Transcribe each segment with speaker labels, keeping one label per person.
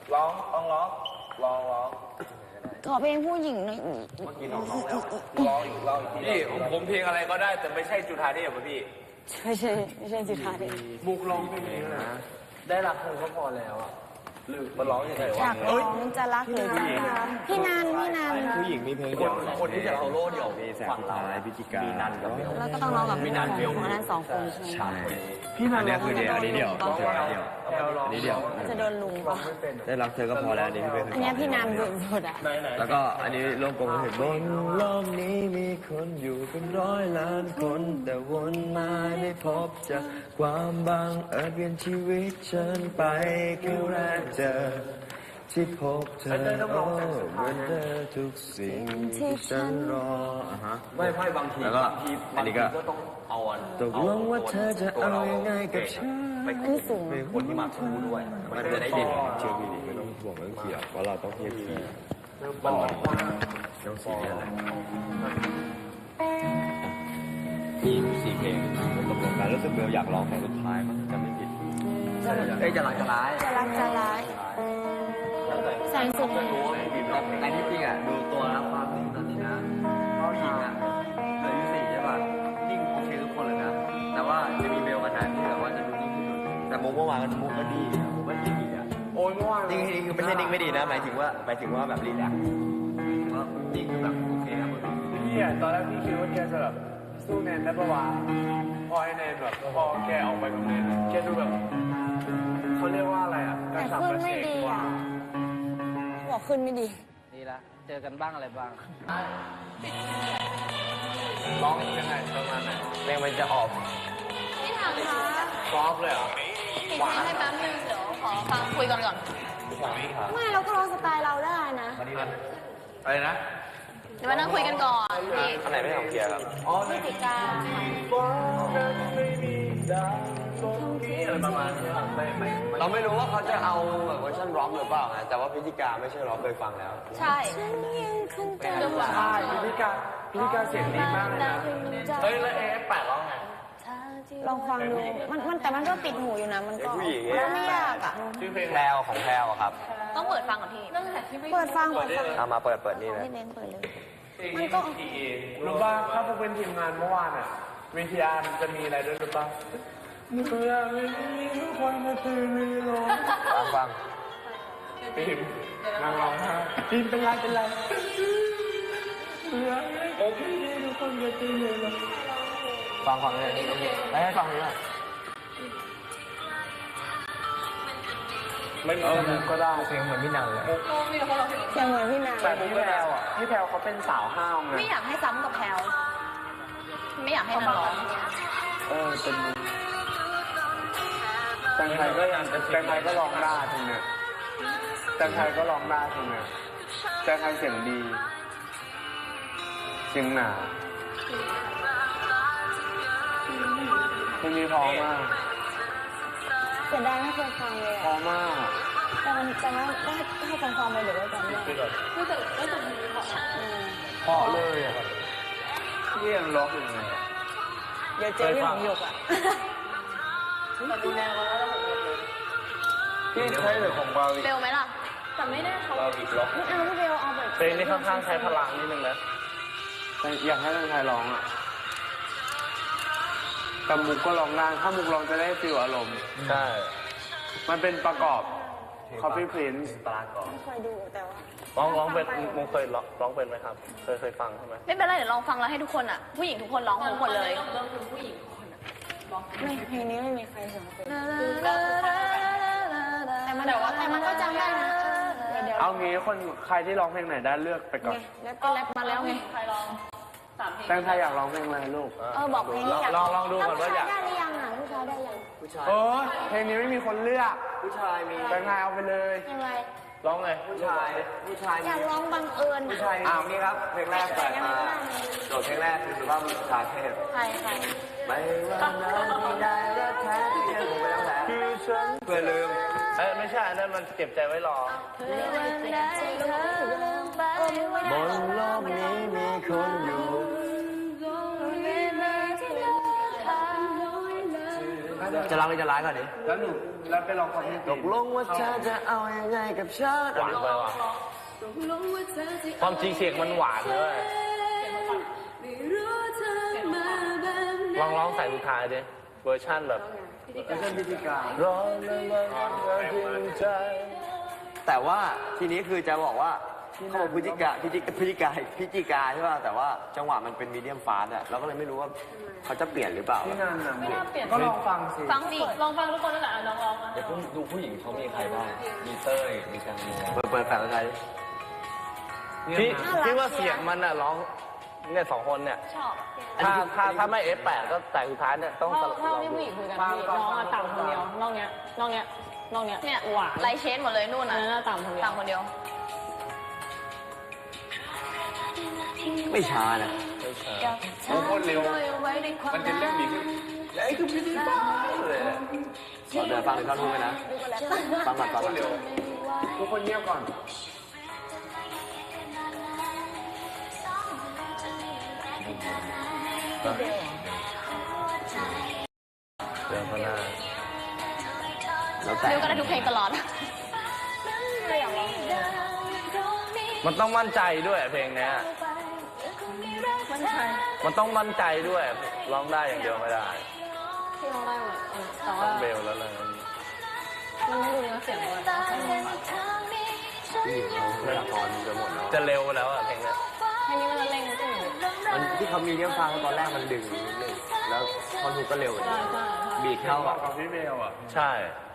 Speaker 1: ร้อง
Speaker 2: ขอเพลงผู้หญิงหน่อย
Speaker 1: ร้องอีกพี่ผมเพลงอะไรก็ได้แต่ไม่ใช่จุฑาเทพพี่
Speaker 2: ไม่ใช่จุฑาเทพ
Speaker 1: บุกร้องเพลงนี้นะได้รักเธอก็พอแล้วอ่ะหรือมันร้องยังไงวะ
Speaker 2: อยากร้องจะรักหรือจะพี่นัน
Speaker 3: ผู้หญิงมีเพลงเดียว
Speaker 1: คนที่จะเอาโล่เดี่ยว
Speaker 3: มีแสงสุดท้ายพิจิกามีนันกับเบล
Speaker 2: แล้วก็ต้องร้องกับพี่นันของนั้น2 คนใช่ไหม
Speaker 3: พี่นันเนี่ยคือเดียวอันนี้เดียวอันนี้เดียว
Speaker 2: จะโดนลุง
Speaker 3: ได้รักเธอก็พอแล้วอันนี้พี่เป็น
Speaker 2: อันนี้พี่นันสุดอ่ะ
Speaker 3: แล้วก็อันนี้โลกกลมเห็นบนโลกนี้มีคนอยู่เป็น100 ล้านคนแต่วนมาได้พบเจอความบังเอิญเปลี่ยนชีวิตฉันไปครั้งแรกเจอที่พบเธอโอ้เหมือนเธอทุกสิ่งที่ฉันรอ
Speaker 1: ไม่บางที
Speaker 3: แล้วก็อันนี้ก็
Speaker 1: ต้องเอา
Speaker 3: ตกลงว่าเธอจะเอายังไงกับฉัน
Speaker 2: อันนี้สูง
Speaker 1: คนที่มาทูด้วย
Speaker 3: มันจะได้ดินเชื่อพี่ดิไม่ต้องห่วงเรื่องเขียวเพราะเราต้องเทียบที
Speaker 1: มัน
Speaker 3: ต้องสีอะไรมี4 เพลงตกลงกันรู้สึกเบลอยากร้องเพลงสุดท้ายมั้งจำไม่ผิด
Speaker 1: จะรักจะร้าย
Speaker 2: แสงสุด
Speaker 3: ในที่จริงอ่ะดูตัวแล้วความจริงตอนนี้นะเขาหญิงอ่ะเหลืออยู่4ใช่ป่ะนิ่งโอเคทุกคนเลยนะแต่ว่าจะมีเบลกับนันที่แบบว่าจะดูนิ่งที่สุดแต่มุกเมื่อวานมุกก็ดีมุกก็ดีอ่ะ
Speaker 1: โอ้ยเมื่อวาน
Speaker 3: นิ่งคือไม่ใช่นิ่งไม่ดีนะหมายถึงว่าแบบรีแลกซ์ว่านิ่งคือแบบโอเคครับ
Speaker 1: พี่อ่ะตอนแรกพี่คิดว่าแกจะแบบสู้แนนได้ปะวะพอไอ้แนนแบบพอแกออกไปกับแนนแกดูแบบเขาเรียกว่าอะไรอ่ะ
Speaker 2: แต่ขึ้นไม่ดีอ่ะบอกขึ้นไม่ดี
Speaker 4: ดีละเจอกันบ้างอะไรบ้าง
Speaker 1: ร้องยังไงประมาณไหน
Speaker 3: เพลงมันจะออก
Speaker 2: พี่ถามคะ
Speaker 1: ซอฟเลยเหรอ
Speaker 2: ปิดเพลงให้แป๊บนึงเดี๋ยวขอฟังคุยก่อนไม่เราก็ร้องสไตล์เราได้นะ
Speaker 1: อะไรนะ
Speaker 2: เดี๋ยวมานั่งคุยกันก่อนพี่
Speaker 3: อันไหนไม่ของเกียร์ครับ
Speaker 2: พิจิกา
Speaker 1: อะไรประมาณนี้
Speaker 3: เราไม่รู้ว่าเขาจะเอาแบบเวอร์ชันร็อกหรือเปล่าไงแต่ว่าพิจิกาไม่ใช่ร็อกเคยฟังแล้ว
Speaker 2: ใช่
Speaker 1: ใช่พิจิกาเสียงดีมากเลยนะเฮ้ยแล้วAF8ร้องไง
Speaker 2: ลองฟังดูมันแต่มันก็ติดหูอยู่นะมันก็ไม่ยากอ่ะ
Speaker 1: ชื่อเพลง
Speaker 3: แพรวของแพรวครับ
Speaker 2: ต้องเปิดฟังก่อนพี่เปิดฟัง
Speaker 3: เอามาเปิดนี่เลย
Speaker 2: เปิดเลยมันก็
Speaker 1: รู้ป่ะถ้าพวกเป็นทีมงานเมื่อวานอ่ะวิทยาจะมีอะไรด้วยรู้ป่ะเมื่อไม่มีทุกคนมาตื่นไม่ร้อง
Speaker 3: ฟัง
Speaker 1: ทีมนางร้องไห้ทีมเป็นไรเมื่อโอเคทุกคนมาตื่นไม่ร้อง
Speaker 3: ฟังเลยแล้วให้ฟังเลย
Speaker 1: ไม่มีก็ได้
Speaker 3: เพลงเหมือนพี่นันเลย
Speaker 2: เสียงเหมือนพี่นัน
Speaker 1: แต่พี่แพรวอ่ะพี่แพรวเขาเป็นสาวห้าวไง
Speaker 2: ไม่อยากให้ซ้ำกับแพรวไม่อยากให้นันร้อง
Speaker 1: เป็นแตงไทยก็ยังแตงไทยก็ร้องได้ทีเนี้ยแตงไทยก็ร้องได้ทีเนี้ยแตงไทยเสียงดีเสียงหนาเพลงนี้พอมาก
Speaker 2: เสียดายไม่เคยฟังเลย
Speaker 1: พอมาก
Speaker 2: แต่ว่าได้ให้ฟังไปเดี๋ยวได้จำได้ไม่แต่
Speaker 1: พอเลยอ่ะพี่ยังร้องอยู่ไง
Speaker 2: เดี๋ยวเจอพี่ของหยกอ่ะ
Speaker 1: พี่ใช้หรือของบาวิ
Speaker 2: เบลไหมล่ะแต่ไม่ได้เขา
Speaker 1: บาวิร้อง
Speaker 2: พี่เบลเอาแบบ
Speaker 1: เพลงนี้ค่อนข้างใช้พลังนิดนึงนะอยากให้แตงไทยร้องอ่ะแต่มุกก็ร้องได้ถ้ามุกร้องจะได้ฟีลอารมณ์ใช่มันเป็นประกอบ Copy Prince
Speaker 2: ไม่เคยดูแต่ว่า
Speaker 1: ร้องเป็นมุกเคยร้องเป็นไหมครับเคยฟังใช่ไหม
Speaker 2: ไม่เป็นไรเดี๋ยวลองฟังแล้วให้ทุกคนอ่ะผู้หญิงทุกคนร้องทุกคนเลยเริ่มเป็นผู้หญิงไม่เพลงนี้ไม่มีใครเสียงเป็นแต่มันก็จำได้นะ
Speaker 1: เอางี้คนใครที่ร้องเพลงไหนได้เลือกไปก่อน
Speaker 2: แล้วก็แรปมาแล้วไงใครร้อง
Speaker 1: แตงไทยอยากร้องเพลงอะไรลูก
Speaker 2: บอกเพลงนี้อยาก
Speaker 1: ลองดูก่อนว่าอยาก
Speaker 2: ได้หรือยังอ่ะผู้ชายได้ยัง
Speaker 3: ผู้ชาย
Speaker 1: เพลงนี้ไม่มีคนเลือก
Speaker 3: ผู้ชายมี
Speaker 1: แตงไทยเอาไปเลย
Speaker 2: ยังไง
Speaker 1: ร้องไง
Speaker 3: ผู้ชาย
Speaker 2: อยากร้องบังเอิญ
Speaker 3: ผู้ชายนี่ครับเพลงแรกเปิดมาโจทย์เพลงแรกคือสุภาพบุรุษชาเทพ
Speaker 2: ใคร
Speaker 3: ไม่ว่าน้ำที่ได้รักแท้ที่ยังคงไม่ต้องแพ้
Speaker 1: คือฉัน
Speaker 3: เพื่อลืม
Speaker 1: ไม่ใช่นั่นมันเก็บใจไว้รอบ
Speaker 3: นโลกนี้มีคนอยู่
Speaker 1: ได้
Speaker 3: จะร้องหรือจะร้ายก่อนดิ
Speaker 1: แล้วหนูแล้วไปลองฟังเพลง
Speaker 3: ตกลงว่าเธอจะเอายังไงกับฉัน
Speaker 5: หวานไปว่ะความจริงเสียงมันหวานเลยร้องใส่สุดท้ายดิเวอร์ชั่นแบบ
Speaker 1: ไม่ใช่พิธีการ
Speaker 3: ร้องแล้วมันก็ทิ้งใจ แต่ว่าทีนี้คือจะบอกว่าเขาบอกพฤศจิกาใช่ป่ะแต่ว่าจังหวะมันเป็นมีเดียมฟาสต์อะเราก็เลยไม่รู้ว่าเขาจะเปลี่ยนหรือเปล่า
Speaker 1: ที่นั่นน่ะ
Speaker 2: ไม่น่าเปลี่ยน
Speaker 1: ก็ลองฟังสิ
Speaker 2: ฟังสิลองฟังทุกคนนั่นแหละลองอ่ะ
Speaker 5: เดี๋ยวผมดูผู้หญิงเขามีใครบ้าง มีเต้ย มีกังมี
Speaker 3: เปิดแฟลชอะไรดิ
Speaker 5: ที่ว่าเสียงมันอ่ะร้องเนี่ย2 คนเนี่ย
Speaker 2: ชอบ
Speaker 5: ถ้าไม่ F8 ก็แต่สุดท้ายเนี่ยต้อง
Speaker 2: เท่าที่ผู้หญิงคุยกันพี่น้องอะต่ำคนเดียวนอกเนี้ยเนี่ยหวานไลเชนหมดเลยนู่นน่ะต่ำคนเดียวต่ำคนเดียว
Speaker 3: ไม่ช้านะ
Speaker 1: โคตรเร็ว มันจะเรื่องนี้ขึ้นไอ้คือพิธีการเลย
Speaker 3: ขอเดินฟังถึงท่อนฮุกเลยนะฟังก่อนฟังก่อน
Speaker 1: ทุกคนเงียบก่อน
Speaker 5: เดินข้างหน้า
Speaker 3: แล้วแต่
Speaker 2: เร็วก็ได้ทุกเพลงตลอด
Speaker 5: มันต้องมั่นใจด้วยเพลงเนี้ย
Speaker 2: มันใช่
Speaker 5: มันต้องมั่นใจด้วยร้องได้อย่างเดียวไม่ได้
Speaker 2: ที่ร้องได้หมดแต่
Speaker 5: ต้
Speaker 2: ว่า
Speaker 5: องเบลแล้วเลย
Speaker 2: มันไม่ดูเนื้อเสียงเลย
Speaker 3: ผู้หญิงเขาไม่ละครจะหมดแล้ว
Speaker 5: จะเร็วแล้วอะเพลงเนี้ย
Speaker 2: ให้นี่มันเร่งนิดนึง
Speaker 3: มันที่เขามีเดียมฟาสต์ตอนแรกมันดึงนิดนึงแล้วท่อนฮุกก็เร็ว
Speaker 2: ใช่ใช่
Speaker 3: บีทเข้า
Speaker 1: บอ
Speaker 3: อ่ะ
Speaker 1: กกับพี่เบลอ่ะ
Speaker 5: ใช่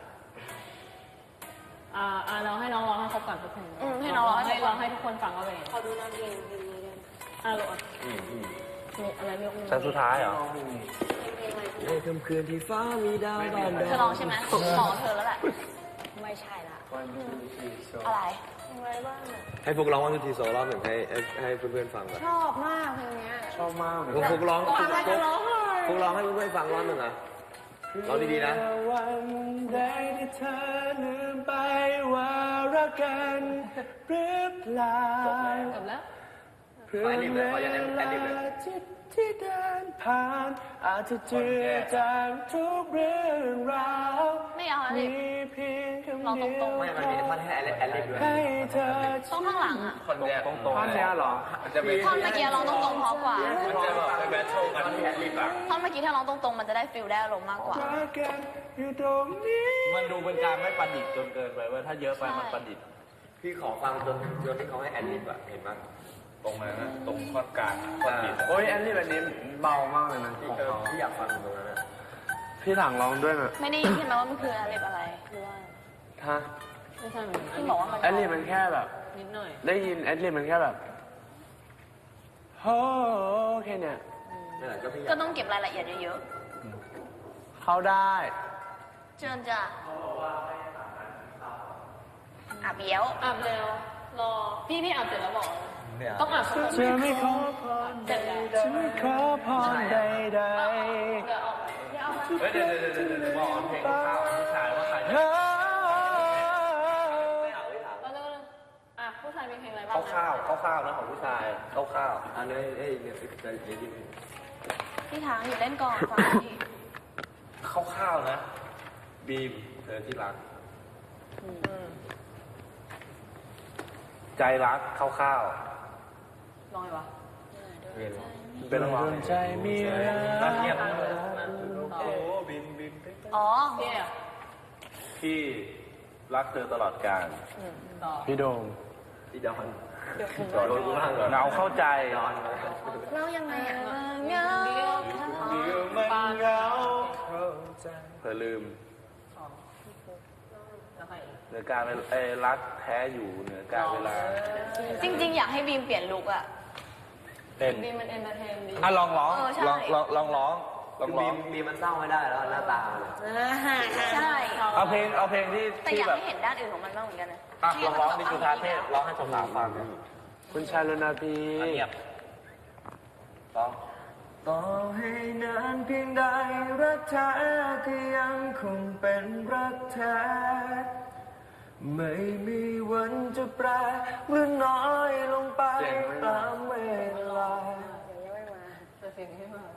Speaker 2: เราให้น้องร้องให้ครบก่อนทุกเพลงให้น้องร้องให้ทุกคนฟังว่าเป็นขอดูน้ำเพลงนี้ด้วยโหลดมีอะไรไม่รู้
Speaker 5: แต่สุดท้ายเหรอ
Speaker 3: ในค่ำคืนที่ฟ้ามีดาวบาน
Speaker 2: เธอร้องใช่ไหมขอเธอแล้วแหละไม่ใช่ละอะไร
Speaker 3: ให้พวกร้องวันทุกทีโซรอบหนึ่งให้เพื่อนๆฟังก่อน
Speaker 2: ชอบมากเพลงนี้
Speaker 1: ชอบมากเลย
Speaker 3: พวกร้อง
Speaker 2: ทำไมจะร้องเลย
Speaker 3: พวกร้องให้เพื่อนๆฟังรอบหนึ่งอ่ะร้องดีๆนะ
Speaker 1: วันใดที่เธอลืมไปว่ารักกันหรือเปล่า
Speaker 2: จบแล้ว
Speaker 1: เพื่อเวลาที่เดินผ่านอาจจะเจือจางทุกเรื่องราว
Speaker 2: ไม่เอาอะไร
Speaker 1: มีเพียงคำเดียว
Speaker 3: ไม่มันมีท่อนให้แอดลิบด้วย
Speaker 1: ให้เธอ
Speaker 2: ต้องข้างหลังอ่ะ
Speaker 5: คนเนี้ยตรง
Speaker 1: ท่อนเนี้ยเหรอจะเป็น
Speaker 2: ท่อนเมื่อกี้ร้องตรงๆเพราะกว่า
Speaker 5: มันจะแบบแบทเทิลกันที่แอดลิบอะ
Speaker 2: ท่อนเมื่อกี้ถ้าร้องตรงๆมันจะได้ฟิลได้อารมณ์มากกว่า
Speaker 1: รักกันอยู่ตรงนี้
Speaker 5: มันดูเป็นการไม่ประดิษฐ์จนเกินไปเว่าถ้าเยอะไปมันประดิษฐ์
Speaker 3: พี่ขอฟังจนที่เขาให้แอดลิบอะเห็นไหม
Speaker 5: ตรงนั้นนะตรงข้อกลางประดิษฐ์
Speaker 1: โอ้ยอันนี้แบบนี้เบามากเลยนะ
Speaker 3: พี่อยากฟังตรงนั้นอะ
Speaker 1: พี่หลังร้องด้วยนะ
Speaker 2: ไม่ได้ยินใช่ไหมว่ามันคืออะไรอะไรหรือว่า
Speaker 1: ฮะ
Speaker 2: ไม่ใช่เหมือนที่บอกว่ามัน
Speaker 1: แอดลิมันแค่แบบ
Speaker 2: นิดหน่อย
Speaker 1: ได้ยินแอดลิมันแค่แบบโอ้แค่เนี้ย
Speaker 3: นั่นแหละก็พี่อยา
Speaker 2: ก็
Speaker 3: ก
Speaker 2: ต้องเก็บรายละเอียดเยอะ
Speaker 1: เข้าได้
Speaker 2: ๆเชิญจ้ะอาบเบี้ยวอาบเร็วรอพี่อาบเสร็จแล้วบอกต้องอาบสัก
Speaker 1: จะไม่ขอพร
Speaker 2: เสร็จแล้ว
Speaker 1: จะไม่ขอพรใด
Speaker 2: เดี๋ยวออกเดี๋ยวเอามา
Speaker 5: เฮ้ยเดี๋ยวบอกเพลงข้าวผู้ชายว่าใคร
Speaker 1: ๆ
Speaker 5: จะ
Speaker 1: เฮ้ย
Speaker 2: เอาเร็วๆผู้ชายมีเพลงอะไรบ้าง
Speaker 5: ข้าวนะของผู้ชายข้าว
Speaker 3: อันนี้เนี่ยใจดี
Speaker 2: พี่ทางอยู่เล่นก่อนฟังพี่
Speaker 5: ข้าวนะบีมเธอที่รักใจรักข้าว
Speaker 2: ลองไงวะ
Speaker 3: เรียน
Speaker 5: เป็นระหว่าง
Speaker 1: ใจมีรัก
Speaker 5: เงียบ
Speaker 1: โอ้บิน
Speaker 2: อ๋อพี่
Speaker 5: พี่รักเธอตลอดกาล
Speaker 2: ต่อ
Speaker 1: พี่โดม
Speaker 3: พี่ดอนโดนกูบ้างเหรอ
Speaker 5: เงาเข้าใจ
Speaker 3: ดอน
Speaker 2: เล่ายังไงอ่ะเงา
Speaker 1: มันเงา
Speaker 5: เธอลืมเหนือการรักแท้อยู่เหนือการเวลา
Speaker 2: จริงๆอยากให้บีมเปลี่ยนลุคอ่ะ
Speaker 5: เป็น
Speaker 2: บีมมันเอนเตอร์เทนดี
Speaker 5: อ่ะลองร้อง
Speaker 2: ใช่
Speaker 5: ลองร้อง
Speaker 3: บีมันเศร้าไม่ได้แล้วหน้าตา
Speaker 2: ใช่
Speaker 5: เอาเพลงที่
Speaker 2: แต่อยากให้เห็นด้านอื่นของมันบ้างเหมือนกันนะ
Speaker 5: อ่ะลองร้องดิจุธาเทพร้องให้สาวๆฟัง
Speaker 1: คุณชายรณพี
Speaker 5: เงียบร้อง
Speaker 3: ต่อให้นานเพียงใดรักแท้ก็ยังคงเป็นรักแท้ไม่มีวันจะแปรหรือน้อยลงไปตามเวลา
Speaker 2: แต่เสียงไม่มา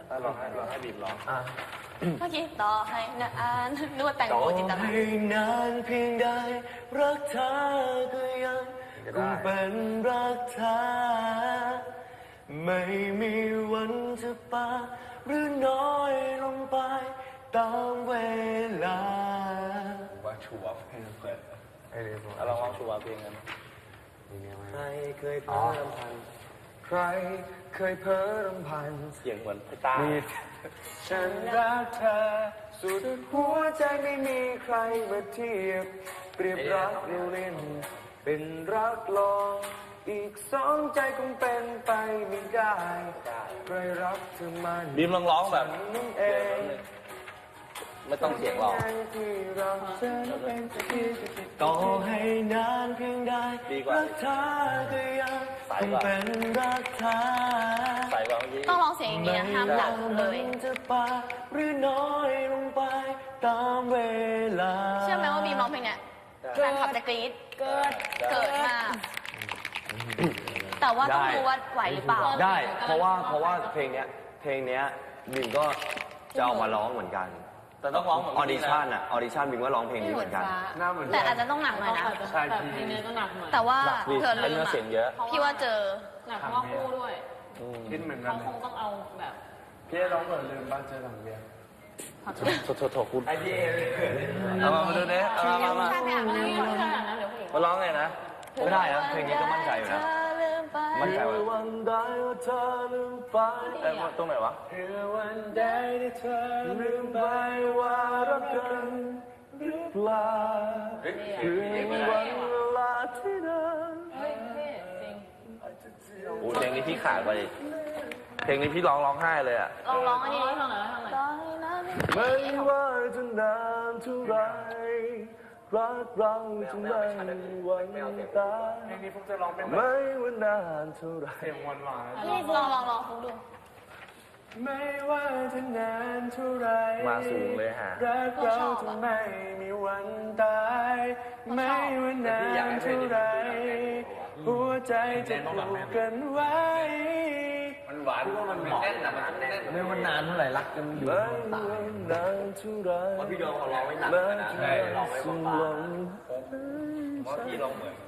Speaker 5: ลองให้บีมร้อง
Speaker 2: เมื่อกี้ต่อให้นะอ่านนึกว่าแต่ง
Speaker 3: ต่อ
Speaker 2: โมจินตนา
Speaker 3: ให้นานเพียงใดรักเธอก็ยังคงเป็นรักเธอไม่มีวันจะปาหรือน้อยลงไปตามเวลา
Speaker 5: ว่าชัวร์เพลงเปิดแล้วเราลองชัวร์เพลงกัน
Speaker 3: ใครเคยเพ้อรำพันใครเคยเพ้อรำพัน
Speaker 5: เสียงเหมือนไอ้ตา
Speaker 3: ฉันรักเธอสุดหัวใจไม่มีใครมาเทียบ เปรียบรักเราเล่นเป็นรักลองอีกสองใจคงเป็นไปไม่ได้ใครรักเธอมัน
Speaker 5: บีมลองร้องแบบ
Speaker 3: นั่นเอง
Speaker 5: ไม่ต้องเสียงหรอก
Speaker 3: ที่เราจะเป็นสักทีต่อให้นานเพียงใด
Speaker 5: ดีกว่า
Speaker 3: รักเธอก็ยังคงเป็นรักเธอ
Speaker 5: ใส่กว่าเมื่อกี้
Speaker 2: ต้องร้องเสียงอย่างนี้นะห้ามหลับเลย
Speaker 3: มันจะปาหรือน้อยลงไปตามเวลา
Speaker 2: เชื่อไหมว่าบีมร้องเพลงเนี้ยแฟนคลับจะกรี๊ดเกิดมาก แต่ว่าต้องรู้ว่าไหวหรือเปล่า
Speaker 3: ได้เพราะว่าเพลงเนี้ยบิมก็จะเอามาร้องเหมือนกัน
Speaker 5: แต่ต้องร้องเหมือน
Speaker 3: ออดิชั่นบิมก็ร้องเพลงนี้เหมือนกัน
Speaker 1: หน้าเหมือน
Speaker 2: แต่อาจจะต้องหนักหน่อยนะ
Speaker 1: ใช่
Speaker 2: แบบ
Speaker 1: พี่
Speaker 2: เพลงนี้ก็หนักหน่อยแต่ว่าเธอลื
Speaker 5: เนื้
Speaker 2: ม
Speaker 5: อเสียงเยอะ
Speaker 2: พี่ว่าเจอ
Speaker 6: หนักเพราะว่าคู่ด้วย
Speaker 1: คิดเหมือนกั
Speaker 6: เขา
Speaker 1: น
Speaker 6: คงต้องเอาแบบ
Speaker 1: พี่ร้องเหมือนลืมบ้านเจอหลังเบียร์
Speaker 5: โถคุณ
Speaker 1: ไอพี่เอ
Speaker 5: เอามาดูดิเอามา
Speaker 2: ใช่ไปอาบน้ำก่อน
Speaker 6: ขนาดนั้นเดี๋ยวผู้หญิง
Speaker 5: มาร้องไงนะ
Speaker 3: ไม่ได้นะเพลงนี้ก็มั่นใจอยู่นะ มั่นใจว่า
Speaker 1: วันใดว่าเธอลืมไป
Speaker 5: ตรงไหนวะ
Speaker 1: เพื่อวันใดที่เธอลืมไปว่ารักกันหรือเปล่าคือวันเวลาที่เดิน
Speaker 6: เฮ้ยเท่จริง
Speaker 5: โอ้เพลงนี้พี่ขาดไปเพลงนี้พี่ร้องไห้เลยอ่ะ
Speaker 2: ลองอันนี้
Speaker 6: ทางไหนทางไหน
Speaker 1: ไม่ว่าจะนานเท่าไรรักเราจะไม่วันตายเพลงนี้ผมจะร้องเป็นไม่ว่านานเท่าไรเสียงหวานหวาน
Speaker 2: นี่ลองฟุกดู
Speaker 1: ไม่ว่าจะนานเท่าไร
Speaker 5: มาสูงเลยฮะ
Speaker 1: รักเราจะไม่มีวันตายไม่ว่านานเท่าไรหัวใจจะผูกกันไว้
Speaker 5: มันหวานมันแน่นนะมันแน่น
Speaker 3: ไม่ว่านานเท่าไหร่รักกันอยู่
Speaker 1: ไม่ว่านานเท่าไร
Speaker 5: พี่โดมเขาร้องไว้หนัก
Speaker 1: แม้
Speaker 5: นะ
Speaker 1: จะ
Speaker 5: ร้องไว้
Speaker 1: สิ้น
Speaker 5: เบา
Speaker 1: ลม
Speaker 5: ๆเพราะพี่ร้องเหมือน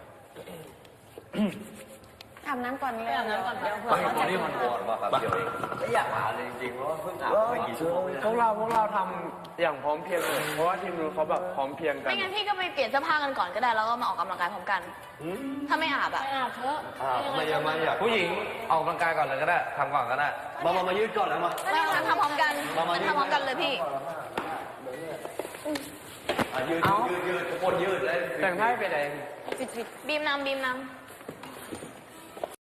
Speaker 2: อาบน้ำก่อนเลย
Speaker 6: อาบน้ำก่อนเดี๋ยว
Speaker 3: บางคนนี่มันปวดว่ะครับเดี๋ยวเองไม่อยากมาเลยจริงๆเพราะว่าเพิ่งอาบไม่กี่ชั่วโมง
Speaker 1: พวกเราทำอย่างพร้อมเพรียงเลยเพราะว่าทีมนู้นเขาแบบพร้อมเพรียงกัน
Speaker 2: ไม่งั้นพี่ก็ไปเปลี่ยนเสื้อผ้ากันก่อนก็ได้แล้วก็มาออกกำลังกายพร้อมกัน ถ้าไม่อาบอะ
Speaker 6: ไปอาบเถอะ
Speaker 3: ไม่อยาก
Speaker 5: ผู้หญิงออกกำลังกายก่อนเลยก็ได้ทำก่อนก็ได้
Speaker 3: มายืดก่อนแล้วมา
Speaker 2: ไม่งั้นทำพร้อมกันมันทำพร้อมกันเลยพี่
Speaker 3: ยืดทุกคนยืดเลย
Speaker 1: แต่งให้ไปไหน
Speaker 2: บีมนำ